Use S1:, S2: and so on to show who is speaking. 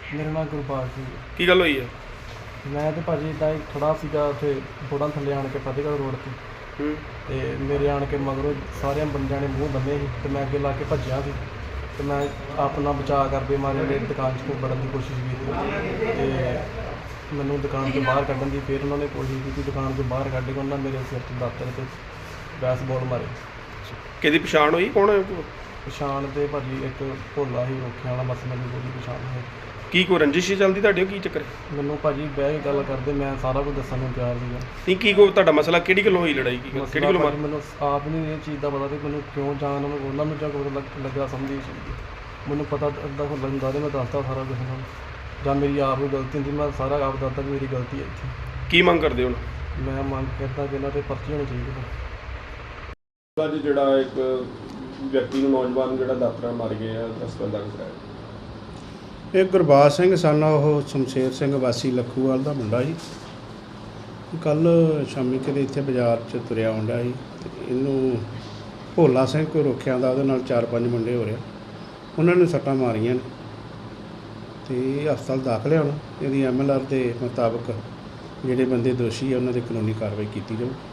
S1: ਮੇਰਾ ਨਾਮ ਗੁਰਬਾਜ ਸਿੰਘ ਹੈ।
S2: ਕੀ ਗੱਲ ਹੋਈ ਹੈ?
S1: ਮੈਂ ਤੇ ਭਾਜੀ ਇੱਦਾਂ ਹੀ ਖੜਾ ਸੀਗਾ ਉੱਥੇ ਥੋੜ੍ਹਾ ਥੱਲੇ ਆਣ ਕੇ ਫਤਿਹਗੜ੍ਹ ਰੋਡ 'ਤੇ
S2: ਹੂੰ।
S1: ਤੇ ਮੇਰੇ ਆਣ ਕੇ ਮਗਰੋਂ ਸਾਰਿਆਂ ਬੰਦਿਆਂ ਨੇ ਮੂੰਹ ਬੰਨੇ ਸੀ ਤੇ ਮੈਂ ਅੱਗੇ ਲਾ ਕੇ ਭੱਜਿਆ ਸੀ ਤੇ ਮੈਂ ਆਪਣਾ ਬਚਾਅ ਕਰਦੇ ਮਾਰੇ ਮੇਰੀ ਦੁਕਾਨ 'ਚ ਵੜਨ ਦੀ ਕੋਸ਼ਿਸ਼ ਕੀਤੀ ਤੇ ਮੈਨੂੰ ਦੁਕਾਨ ਤੋਂ ਬਾਹਰ ਕੱਢਣ ਦੀ ਫਿਰ ਉਹਨਾਂ ਨੇ ਕੋਸ਼ਿਸ਼ ਕੀਤੀ। ਦੁਕਾਨ ਤੋਂ ਬਾਹਰ ਕੱਢ ਕੇ ਉਹਨਾਂ ਮੇਰੇ ਸਿਰ 'ਚ ਦਾਤਰ ਤੇ ਬੈਸਬਾਲ ਮਾਰੇ।
S2: ਕਿਹਦੀ ਪਛਾਣ ਹੋਈ? ਕੌਣ ਹੈ?
S1: ਪਛਾਣ ਤੇ ਭਾਜੀ ਇੱਕ ਭੋਲਾ ਹੀ ਰੋਕਿਆ ਵਾਲਾ, ਬਸ ਮੈਨੂੰ ਉਹਦੀ ਪਛਾਣ ਹੈ।
S2: ਕੀ ਕੋਈ ਰੰਜਿਸ਼ ਚੱਲਦੀ ਤੁਹਾਡੇ? ਕੀ ਚੱਕਰ ਹੈ?
S1: ਮੈਨੂੰ ਭਾਜੀ ਬਹਿ ਕੇ ਗੱਲ ਕਰਦੇ, ਮੈਂ ਸਾਰਾ ਕੁਝ ਦੱਸਣ ਨੂੰ ਤਿਆਰ ਸੀਗਾ।
S2: ਨਹੀਂ, ਕੀ ਕੋਈ ਤੁਹਾਡਾ ਮਸਲਾ ਕਿਹੜੀ ਗੱਲੋਂ ਹੋਈ ਲੜਾਈ? ਕੀ ਕਿਹੜੀ ਗੱਲੋਂ ਮਾਰ?
S1: ਮੈਨੂੰ ਆਪ ਨਹੀਂ ਇਹ ਚੀਜ਼ ਦਾ ਪਤਾ ਤੇ ਮੈਨੂੰ ਕਿਉਂ ਜਾਣ ਉਹਨਾਂ ਨੂੰ ਜਾਂ ਕੋਈ ਲੱਗਾ ਸਮਝੀ ਚੀਜ਼ ਮੈਨੂੰ ਪਤਾ ਅੱਧਾ ਹੁੰਦਾ ਹੁੰਦਾ ਤੇ ਮੈਂ ਦੱਸਦਾ ਸਾਰਾ ਕੁਝ ਉਹਨਾਂ ਨੂੰ, ਜਾਂ ਮੇਰੀ ਆਪ ਨੂੰ ਗਲਤੀ ਹੁੰਦੀ ਮੈਂ ਸਾਰਾ ਆਪ ਦੱਸਦਾ ਕਿ ਮੇਰੀ ਗਲਤੀ ਹੈ ਇੱਥੇ।
S2: ਕੀ ਮੰਗ ਕਰਦੇ ਹੁਣ?
S1: ਮੈਂ ਮੰਗ ਕਰਦਾ ਕਿ ਇਹਨਾਂ 'ਤੇ ਪਰਚੀ ਹੋਣੀ ਚਾਹੀਦੀ ਹੈ।
S2: ਅੱਜ ਜਿਹੜਾ ਇੱਕ ਵਿਅਕਤੀ ਨੂੰ, ਨੌਜਵਾਨ ਜਿਹੜਾ ਦਾਤਰਾ ਮਾਰ ਗਏ ਆ, ਹਸਪਤਾਲ ਦਾਖਲ ਕਰਾਇਆ।
S3: ਇਹ ਗੁਰਬਾਜ ਸਿੰਘ ਸਨ ਉਹ ਸ਼ਮਸ਼ੇਰ ਸਿੰਘ ਵਾਸੀ ਲੱਖੂਵਾਲ ਦਾ ਮੁੰਡਾ ਜੀ। ਕੱਲ੍ਹ ਸ਼ਾਮੀ ਕਿਤੇ ਇੱਥੇ ਬਾਜ਼ਾਰ 'ਚ ਤੁਰਿਆ ਆਉਂਦਾ ਸੀ ਤੇ ਇਹਨੂੰ ਭੋਲਾ ਸਿੰਘ ਕੋਈ ਰੋਕਿਆ ਦਾ, ਉਹਦੇ ਨਾਲ 4-5 ਮੁੰਡੇ ਹੋ ਰਿਹਾ, ਉਹਨਾਂ ਨੇ ਸੱਟਾਂ ਮਾਰੀਆਂ ਨੇ ਤੇ ਇਹ ਹਸਪਤਾਲ ਦਾਖਲ ਹੈ। ਹੁਣ ਇਹਦੀ MLR ਦੇ ਮੁਤਾਬਕ ਜਿਹੜੇ ਬੰਦੇ ਦੋਸ਼ੀ ਆ ਉਹਨਾਂ ਦੀ ਕਾਨੂੰਨੀ ਕਾਰਵਾਈ ਕੀਤੀ ਜਾਊ।